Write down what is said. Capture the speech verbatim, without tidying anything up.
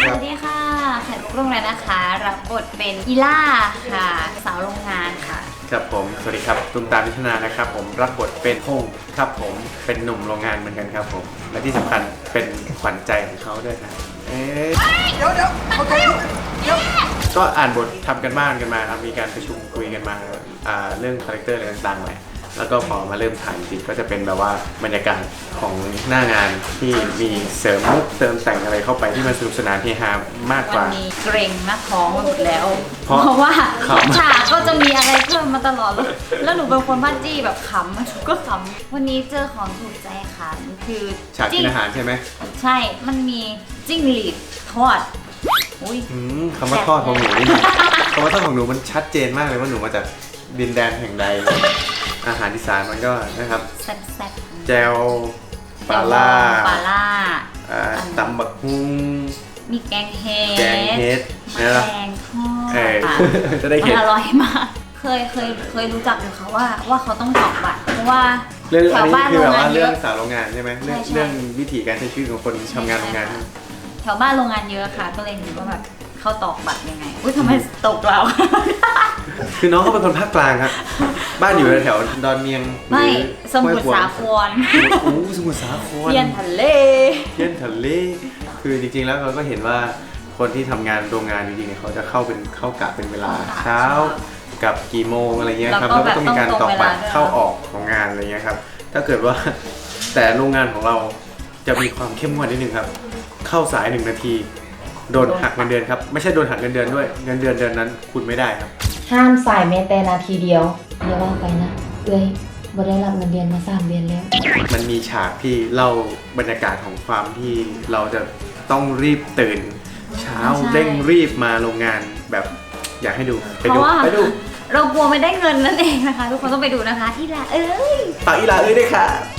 สวัสดีค่ะไข่มุกรุ่งแล้วนะคะรับบทเป็นอีล่าค่ะสาวโรงงานค่ะครับผมสวัสดีครับตุ้มตามพิชนานะครับผมรับบทเป็นพงษ์ครับผมเป็นหนุ่มโรงงานเหมือนกันครับผมและที่สำคัญเป็นขวัญใจของเขาด้วยนะเอ๊ะเดี๋ยวเดี๋ยวเขาใจเดี๋ยวก็อ่านบททำกันบ้านกันมาครับมีการประชุมคุยกันมาอ่าเรื่องคาแรคเตอร์อะไรต่างๆเลยแล้วก็พอมาเริ่มถ่ายจริงก็จะเป็นแบบว่าบรรยากาศของหน้างานที่มีเสริมมุกเติมแต่งอะไรเข้าไปที่มันสนุกสนานเฮฮามากกวัว่านนี้เกรงหน้าท้องมาหมดแล้วเพราะเพราะว่าขำฉากก็จะมีอะไรเพิ่มมาตลอดเลยแล้วหนูเป็นคนบ้าจี้แบบขำมันก็ขำวันนี้เจอของถูกใจค่ะมันคือฉากกินอาหารใช่ไหมใช่มันมีจิ้งหรีดทอดอุ้ยอืมคำว่าทอดของหนูนี่คำว่าทอดของหนูมันชัดเจนมากเลยว่าหนูมาจากดินแดนแห่งใด อาหารอีสานมันก็นะครับแซ่บๆแจวปลาล่าปลาล่าอ่าตำบักฮุ้งมีแกงเห็ดแกงเฮ็ดแมนะลงทอดเออค่ะจะได้มัเห็นนอร่อยมาก เคยเคยเคยรู้จักอยู่ค่ะว่าว่าเขาต้องตอกบัตรเพราะว่าเรื่องแถอันวนี้บ้านคืโรอง แบบงานว่าเยเรื่องอะสาวโรงงานใช่ไหมเรื่องใช่ใช่เรื่องวิธีการใช้ชีวิตของคนทำงานโรงงานแถวบ้านโรงงานเยอะค่ะ ก็เลยเห็นว่าแบบเขาตอกบัตรยังไงอุ้ยทำไมตกเราคือน้องเขาเป็นคนภาคกลางครับบ้านอยู่แถวดอนเมียงไม่หรือสมุทรสาครโอ้สมุทรสาครเทียนทะเลเที่ยนทะเลคือจริงๆ แล้วเราก็เห็นว่าคนที่ทำงานโรงงานจริงๆเนี่ยเขาจะเข้าเป็นเข้ากะเป็นเวลาเช้ากับกี่โมงอะไรเงี้ยครับแล้แล้ว วก็ก็ต้องมีการตอกบัตรแบบต้องตรงเวลาด้วยเข้าออกของงานอะไรเงี้ยครับถ้าเกิดว่าแต่โรงงานของเราจะมีความเข้มงวดนิดนึงครับเข้าสายหนึ่งนาทีโดนหักเงินเดือนครับไม่ใช่โดนหักเงินเดือนด้วยเงินเดือนเดือนนั้นคุณไม่ได้ครับห้ามสายแม้แต่นาทีเดียวอย่าว่าไปนะเอ้ยบ่ได้รับเงินเดือนมาสามเดือนแล้วมันมีฉากที่เล่าบรรยากาศของความที่เราจะต้องรีบตื่น เช้าใช่เร่งรีบมาโรงงานแบบอยากให้ดูไปเพดูราะว่าไปดูเรากลัวไม่ได้เงินนั่นเองนะคะ ทุกคนต้องไปดูนะคะที่ละเอ้ยฝากอีหลาเอ้ยด้วยค่ะ